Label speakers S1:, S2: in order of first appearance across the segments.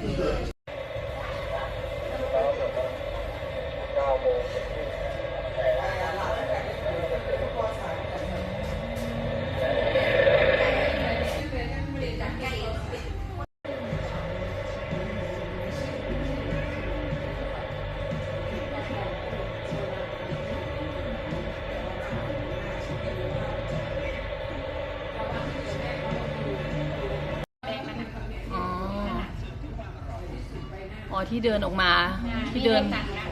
S1: อ๋อที่เดินออกมาที่เดิน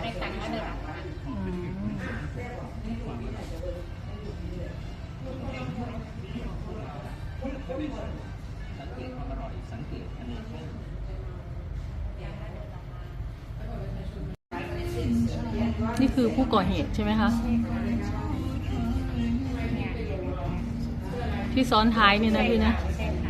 S1: นี่คือผู้ก่อเหตุใช่ไหมคะที่ซ้อนท้ายเนี่ยนะพี่นะ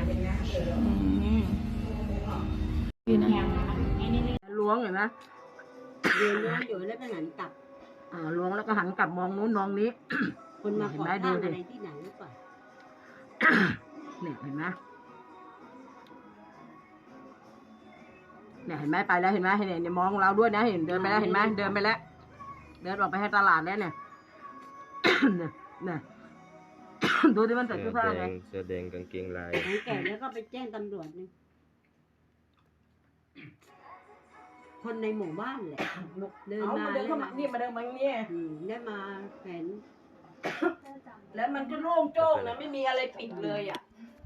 S1: พี่นะ
S2: ล้วงเห็นไหม
S3: เดินล้วงอยู่แล้วก็หันกลับ
S2: ล้วงแล้วก็หันกลับมองนู้นมองนี้
S3: คนมาขอข้าวอะไรที่ไหนหรือเปล่า
S2: เนี่ยเห็นไหมเนี่ยเห็นไหมไปแล้วเห็นไหมเห็นมองเราด้วยนะเห็นเดินไปแล้วเห็นไหมเดินไปแล้วเดินออกไปให้ตลาดแล้วเนี่ยเนี่ยดูที่มันใส่เสื้อผ้าไง
S4: เสื้อแดงกางเกงลาย
S3: แก่แล้วก็ไปแจ้งตำรวจนี่คนในหมู่บ้านแหละเดินมา
S2: เข้ามานี่มาเดินมาเนี่ย
S3: ได้มาเห็น
S2: แล้วมันก็โล่งโจ้งนะไม่มีอะไรปิดเลยอ่ะ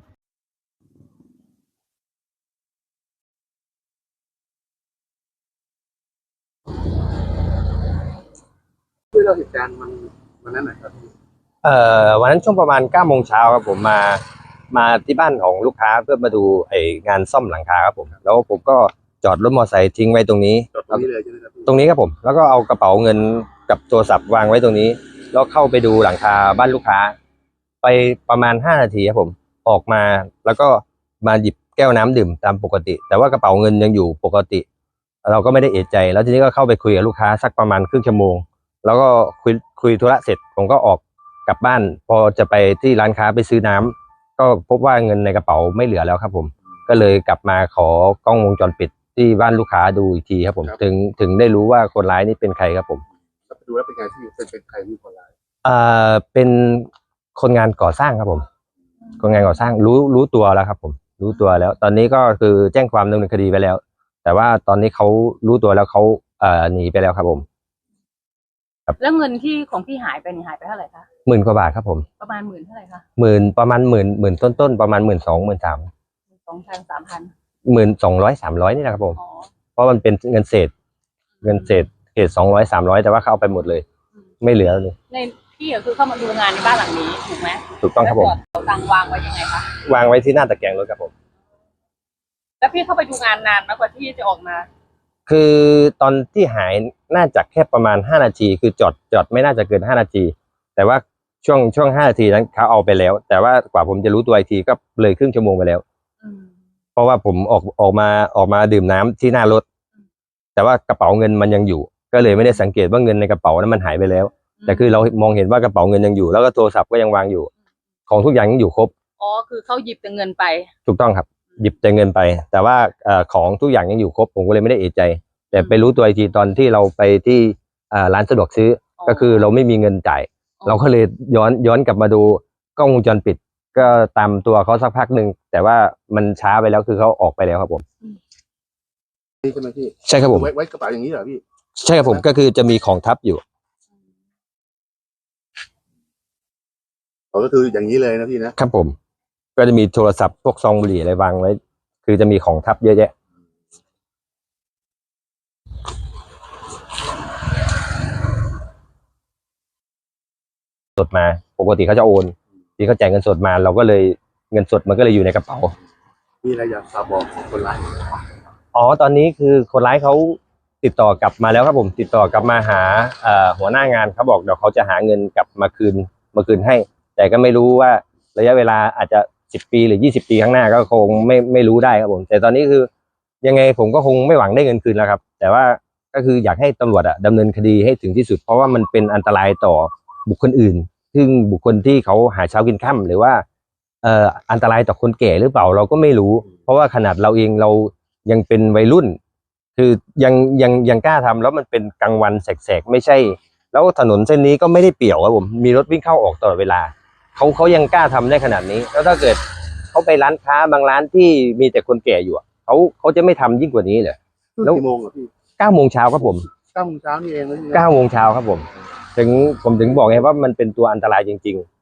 S5: ช่วยเราเหตุการณ์วันนั้นหน่อยครับ
S4: วันนั้นช่วงประมาณ9 โมงเช้าครับผมมาที่บ้านของลูกค้าเพื่อมาดูงานซ่อมหลังคาครับผมแล้วผมก็จอดรถมอเตอร์ไซค์ทิ้งไว้ตรงนี้
S5: ตรงนี้เลยใช่ไหมครับ
S4: ตรงนี้ครับผมแล้วก็เอากระเป๋าเงินกับโทรศัพท์วางไว้ตรงนี้แล้วเข้าไปดูหลังคาบ้านลูกค้าไปประมาณ5 นาทีครับผมออกมาแล้วก็มาหยิบแก้วน้ำดื่มตามปกติแต่ว่ากระเป๋าเงินยังอยู่ปกติเราก็ไม่ได้เอะใจแล้วทีนี้ก็เข้าไปคุยกับลูกค้าสักประมาณครึ่งชั่วโมงแล้วก็คุยธุระเสร็จผมก็ออกกลับบ้านพอจะไปที่ร้านค้าไปซื้อน้ำก็พบว่าเงินในกระเป๋าไม่เหลือแล้วครับผมก็เลยกลับมาขอกล้องวงจรปิดที่บ้านลูกค้าดูอีกทีครับผมถึงได้รู้ว่าคนร้ายนี่เป็นใครครับผม
S5: ดูแล้วเป็นไงที่เป็นใครที่คนร้าย
S4: เป็นคนงานก่อสร้างครับผมคนงานก่อสร้างรู้ตัวแล้วครับผมรู้ตัวแล้วตอนนี้ก็คือแจ้งความดำเนินคดีไปแล้วแต่ว่าตอนนี้เขารู้ตัวแล้วเขาหนีไปแล้วครับผม
S1: แล้วเงินที่ของพี่หายไปนี่หายไปเท่าไหร่คะ
S4: 10,000 กว่าบาทครับผม
S1: ประมาณ10,000เท่าไหร่คะ
S4: ประมาณหมื่นต้นประมาณ12,000 13,000
S1: 2,000
S4: 3,000 1200นี่แหละครับผมเพราะมันเป็นเงินเศษเศษ200 300แต่ว่าเขาเอาไปหมดเลยไม่เหลือเลย
S1: ในพี่ก็คือเข้ามาดูงานในบ้านหลังนี้ถูกไหม
S4: ถูกต้องครับผม
S1: เอาตังวางไว้ยังไงคะ
S4: วางไว้ที่หน้าตะแกรงรถครับผม
S1: แล้วพี่เข้าไปดูงานนานมากกว่าที่จะออกมา
S4: คือตอนที่หายน่าจะแค่ประมาณ5 นาทีคือจอดไม่น่าจะเกิน5 นาทีแต่ว่าช่วง5 นาทีนั้นเขาเอาไปแล้วแต่ว่ากว่าผมจะรู้ตัวอีกทีก็เลยครึ่งชั่วโมงไปแล้วเพราะว่าผมออกมาดื่มน้ำที่หน้ารถแต่ว่ากระเป๋าเงินมันยังอยู่ก็เลยไม่ได้สังเกตว่าเงินในกระเป๋านั้นมันหายไปแล้วแต่คือเรามองเห็นว่ากระเป๋าเงินยังอยู่แล้วก็โทรศัพท์ก็ยังวางอยู่ของทุกอย่างยังอยู่ครบ
S1: อ๋อคือเขาหยิบแต่เงินไป
S4: ถูกต้องครับหยิบแต่เงินไปแต่ว่าของทุกอย่างยังอยู่ครบผมก็เลยไม่ได้เอะใจแต่ไปรู้ตัวอีกทีตอนที่เราไปที่ร้านสะดวกซื้อก็คือเราไม่มีเงินจ่ายเราก็เลยย้อนกลับมาดูกล้องวงจรปิดก็ตามตัวเขาสักพักหนึ่งแต่ว่ามันช้าไปแล้วคือเขาออกไปแล้วครับผม
S5: นี่ใช่ไหมพี่
S4: ใช่ครับผม
S5: ไว้กระเป๋าอย่างนี้เหรอพี่
S4: ใช่ครับผมก็คือจะมีของทับอยู่
S5: ก็คืออย่างนี้เลยนะพี่นะครับ
S4: ผมก็จะมีโทรศัพท์พวกซองบุหรี่อะไรวางไว้คือจะมีของทับเยอะแยะสดมาปกติเขาจะโอนที่เขาจ่ายเงินสดมาเราก็เลยเงินสดมันก็เลยอยู่ในกระเป๋า
S5: มีอะไรอยากฝากบอกคนร้าย
S4: ตอนนี้คือคนร้ายเขาติดต่อกลับมาแล้วครับผมติดต่อกลับมาหาหัวหน้างานเขาบอกเดี๋ยวเขาจะหาเงินกลับมาคืนให้แต่ก็ไม่รู้ว่าระยะเวลาอาจจะ10 ปีหรือ20 ปีข้างหน้าก็คงไม่รู้ได้ครับผมแต่ตอนนี้คือยังไงผมก็คงไม่หวังได้เงินคืนแล้วครับแต่ว่าก็คืออยากให้ตำรวจดำเนินคดีให้ถึงที่สุดเพราะว่ามันเป็นอันตรายต่อบุคคลอื่นซึ่งบุคคลที่เขาหาเช้ากินค่ำหรือว่าอันตรายต่อคนแก่หรือเปล่าเราก็ไม่รู้เพราะว่าขนาดเราเองเรายังเป็นวัยรุ่น คือยังกล้าทำแล้วมันเป็นกลางวันแสกๆไม่ใช่ แล้วถนนเส้นนี้ก็ไม่ได้เปี่ยวครับผมมีรถวิ่งเข้าออกตลอดเวลาเขายังกล้าทำได้ขนาดนี้แล้วถ้าเกิดเขาไปร้านค้าบางร้านที่มีแต่คนแก่อยู่เขาจะไม่ทำยิ่งกว่านี้เหรอ แล้ว
S5: กี่โมงอ่ะพี่
S4: 9 โมงเช้าครับผม
S5: 9 โมงเช้านี่เองนะพี่
S4: 9 โมงเช้าครับผมผมถึงบอกไงว่ามันเป็นตัวอันตรายจริงๆ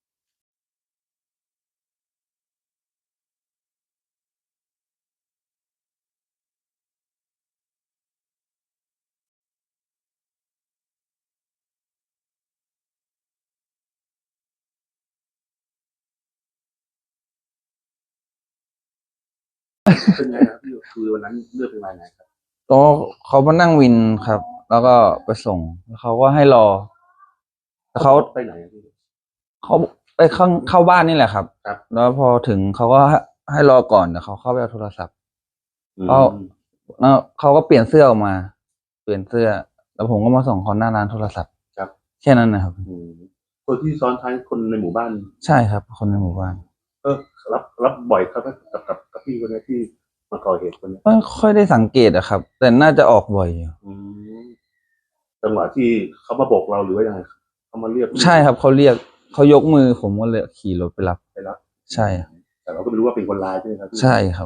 S5: เป็นไงครับพี่คือวันนั้นเลือกเป็นไงครับ
S6: ก็เขามานั่งวินครับ แล้วก็ไปส่งแล้วเขาก็ให้รอแล้วเขา
S5: ไปไหนอะพี่
S6: เขาไปเข้าบ้านนี่แหละครับ
S5: ครับ
S6: แล้วพอถึงเขาก็ให้รอก่อนเดี๋ยวเขาเข้าไปเอาโทรศัพท์
S5: อืม
S6: แล้วเขาก็เปลี่ยนเสื้อออกมา เปลี่ยนเสื้อ แล้วผมก็มาส่งเขาหน้าร้านโทรศัพท์
S5: ครับ
S6: แค่นั้นนะครับ
S5: อืมคนที่ซ้อนท้ายคนในหมู่บ้าน
S6: ใช่ครับ คนในหมู่บ้าน
S5: รับบ่อยครับกับพี่คนนี้ที่มาก่อเหตุคนนี้
S6: ไม่ค่อยได้สังเกตอะครับ แต่น่าจะออกบ่อยอยู่
S5: อืมจังหวะที่เขามาโบกเราหรือว่ายังไงเขามาเรียก
S6: ใช่ครับเขาเรียกเขายกมือผมก็เลยขี่รถไปรับ
S5: ไปรับ
S6: ใช่ครับ
S5: แต่เราก็ไม่รู้ว่าเป็นคนร้ายใช่ไหมครับพี่
S6: ใช่ครับ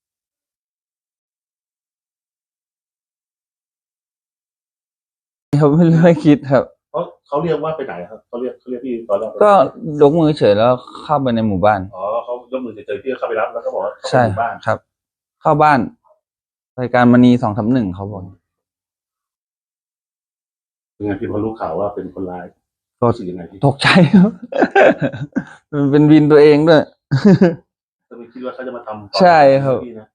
S6: เขาไม่คิดครับ
S5: เขาเรียกว่าไปไหนครับเขาเรียกพี่ตอนแรก
S6: ก็ยกมือเฉยแล้วเข้าไปในหมู่บ้าน
S5: อ๋อเขายกมือเฉยๆพี่เข้าไปรับแล้วก็บอกว่าเขา
S6: ใช่
S5: ไปหมู่บ้าน
S6: ครับ เข้าบ้านรายการมณี231เขาบอก
S5: เป็นไงพี่พอรู้ข่าวว่าเป็นคนร้าย
S6: ก็
S5: รู้สึกยังไงพี่
S6: ตกใจครับ มันเป็นวินตัวเองด้วย
S5: ก็ไม่คิดว่าเขาจะมาทำ
S6: ใช่ครับ
S5: พี่นะ